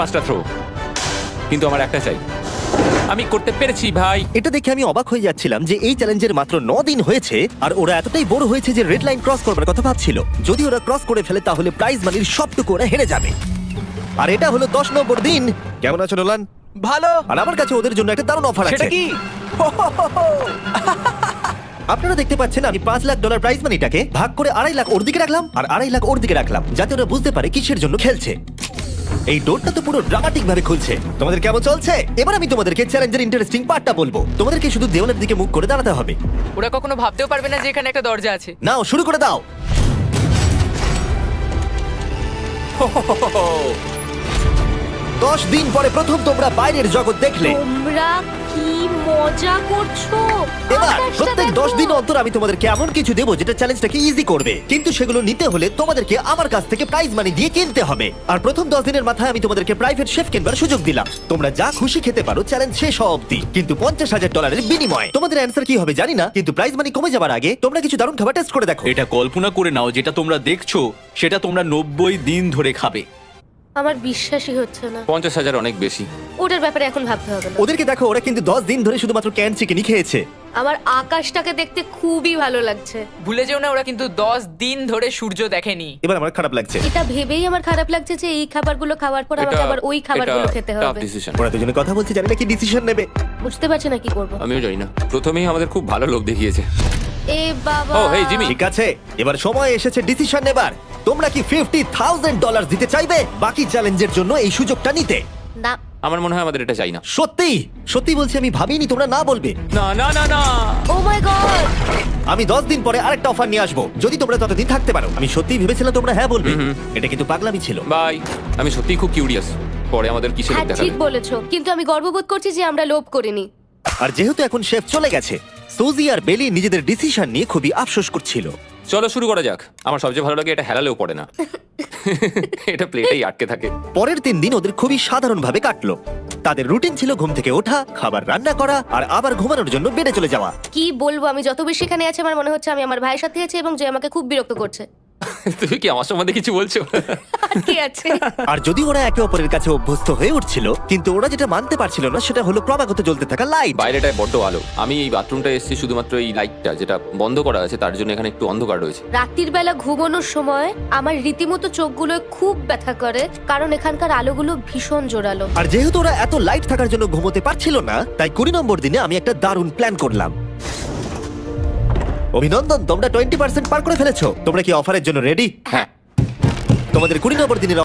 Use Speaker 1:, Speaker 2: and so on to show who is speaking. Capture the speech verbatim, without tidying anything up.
Speaker 1: পাঁচটা থ্রো, কিন্তু আমার একটা চাই। আমি করতে পেরেছি ভাই।
Speaker 2: এটা দেখে আমি অবাক হয়ে যাচ্ছিলাম যে এই চ্যালেঞ্জের মাত্র ন দিন হয়েছে আর ওরা এতটাই বড় হয়েছে যে রেড লাইন ক্রস করবার কথা ভাবছিল। যদি ওরা ক্রস করে ফেলে তাহলে প্রাইজ মানির সবটুকু ওরা হেরে যাবে। আর এটা হলো দশ নম্বর দিন। কেমন আছো নোলান?
Speaker 3: ভালো।
Speaker 2: আর আমার কাছে ওদের জন্য একটা দারুণ অফার আছে।
Speaker 3: সেটা কি?
Speaker 2: আপনারা দেখতে পাচ্ছেন আমি পাঁচ লাখ ডলার প্রাইজ মানিটাকে ভাগ করে আড়াই লাখ ওর দিকে রাখলাম আর আড়াই লাখ ওর দিকে রাখলাম, যাতে ওরা বুঝতে পারে কিসের জন্য খেলছে। এই ডোরটা তো পুরো ড্রামাটিক ভাবে খুলছে। তোমাদের কেমন চলছে? এবার আমি তোমাদেরকে চ্যালেঞ্জের ইন্টারেস্টিং পার্টটা বলবো। তোমাদেরকে শুধু দেওয়ালের দিকে মুখ করে দাঁড়াতে হবে।
Speaker 4: ওরা কখনো ভাবতেও পারবে না যে এখানে একটা দরজা আছে।
Speaker 2: নাও শুরু করে দাও। দশ দিন পরে প্রথম তোমরা বাইরের জগৎ দেখলে।
Speaker 5: তোমরা কি মজা করছো?
Speaker 2: এবার
Speaker 5: আকাশটা
Speaker 2: প্রত্যেক
Speaker 5: দেখো।
Speaker 2: দশ দিন অন্তর আমি তোমাদেরকে এমন কিছু দেবো যেটা চ্যালেঞ্জটাকে ইজি করবে, কিন্তু সেগুলো নিতে হলে তোমাদেরকে আমার কাছ থেকে প্রাইজ মানি দিয়ে কিনতে হবে। আর প্রথম দশ দিনের মাথায় আমি তোমাদেরকে প্রাইভেট শেফ কিনবার সুযোগ দিলাম। তোমরা যা খুশি খেতে পারো চ্যালেঞ্জ শেষ হওয়া অব্দি, কিন্তু পঞ্চাশ হাজার ডলারের বিনিময়। তোমাদের অ্যান্সার কি হবে জানি না, কিন্তু প্রাইজ মানি কমে যাবার আগে তোমরা কিছু দারুণ খাবার টেস্ট করে দেখো।
Speaker 3: এটা কল্পনা করে নাও, যেটা তোমরা দেখছো সেটা তোমরা নব্বই দিন ধরে খাবে।
Speaker 5: আমার বিশ্বাসই হচ্ছে না।
Speaker 1: পঞ্চাশ হাজার অনেক বেশি।
Speaker 5: ওটার ব্যাপারে এখন ভাবতে হবে না।
Speaker 2: ওদেরকে দেখো, ওরা কিন্তু দশ দিন ধরে শুধুমাত্র ক্যান চিকেনই খেয়েছে।
Speaker 5: আমার আকাশটাকে দেখতে খুবই ভালো লাগছে।
Speaker 4: ভুলে যেও না ওরা কিন্তু দশ দিন ধরে সূর্য দেখেনি।
Speaker 2: এবার আমার খারাপ লাগছে।
Speaker 5: এটা ভেবেই আমার খারাপ লাগছে যে এই খাবারগুলো খাওয়ার পর আমাকে আবার ওই খাবারগুলো খেতে হবে।
Speaker 1: ডিসিশন।
Speaker 2: ওরা দুজনে কথা বলছে, জানি না কি ডিসিশন নেবে।
Speaker 5: বুঝতে পারছি না কি করব।
Speaker 1: আমিও জানি না। প্রথমেই আমাদের খুব ভালো লোক দেখিয়েছে।
Speaker 5: এ বাবা।
Speaker 1: ও, হেই, জিমি।
Speaker 2: ঠিক আছে, এবার সময় এসেছে ডিসিশন নেবার। তোমরা কি ফিফটি থাউজেন্ড ডলার দিতে চাইবে বাকি চ্যালেঞ্জের জন্য এই সুযোগটা নিতে?
Speaker 5: না।
Speaker 1: আমার মনে হয় আমাদের এটা চাই না।
Speaker 2: সত্যি সত্যি বলছি, আমি ভাবিনি তোমরা না বলবে।
Speaker 1: না না না না।
Speaker 5: Oh my God.
Speaker 2: আমি দশ দিন পরে আরেকটা অফার নিয়ে আসবো, যদি তোমরা ততদিন থাকতে পারো। আমি সত্যি ভেবেছিলাম তোমরা হ্যাঁ বলবে। এটা কিন্তু পাগলামি ছিল।
Speaker 1: বাই। আমি সত্যিই খুব কিউরিয়াস পরে আমাদের কিসের
Speaker 5: হ্যাঁ
Speaker 1: লোভ দেখাবে।
Speaker 5: ঠিক বলেছো, কিন্তু আমি গর্ববোধ করছি যে আমরা লোভ করিনি।
Speaker 2: আর যেহেতু এখন শেফ চলে গেছে, সুজি আর বেলি নিজেদের ডিসিশন নিয়ে খুবই আফসোস করছিল।
Speaker 1: চলো শুরু করা যাক। আমার সবচেয়ে ভালো লাগে এটা হেলালেও পড়ে না। এটা প্লেটেই আটকে থাকে।
Speaker 2: পরের তিন দিন ওদের খুবই সাধারণভাবে কাটলো। তাদের রুটিন ছিল ঘুম থেকে ওঠা, খাবার রান্না করা আর আবার ঘুমানোর জন্য বেডে চলে যাওয়া।
Speaker 5: কি বলবো, আমি যত বেশি এখানে আছি আমার মনে হচ্ছে আমি আমার ভাইয়ের সাথে আছি এবং যে আমাকে খুব বিরক্ত করছে।
Speaker 1: তুমি কি আমার সম্বন্ধে কিছু বলছো?
Speaker 5: কি আছে?
Speaker 2: আর যদি ওরা একে অপরের কাছে অভ্যস্ত হয়ে উঠছিল, কিন্তু ওরা যেটা মানতে পারছিল না সেটা হলো ক্রমাগত জ্বলতে থাকা লাইট।
Speaker 1: বাইরেটায় বড্ড আলো। আমি এই বাথরুমটা এসেছি শুধুমাত্র এই লাইটটা যেটা বন্ধ করা আছে তার জন্য এখানে একটু অন্ধকার রয়েছে।
Speaker 5: রাত্রির বেলা ঘুমানোর সময় আমার রীতিমতো চোখগুলো খুব ব্যথা করে, কারণ এখানকার আলোগুলো ভীষণ জোরালো।
Speaker 2: আর যেহেতু ওরা এত লাইট থাকার জন্য ঘুমোতে পারছিল না, তাই কুড়ি নম্বর দিনে আমি একটা দারুণ প্ল্যান করলাম। অভিনন্দন, তোমরা টোয়েন্টি পার্সেন্ট পার করে ফেলেছো। তোমরা কি অফারের জন্য রেডি?
Speaker 1: হ্যাঁ।
Speaker 2: তোমাদের কুড়ি নম্বর দিনের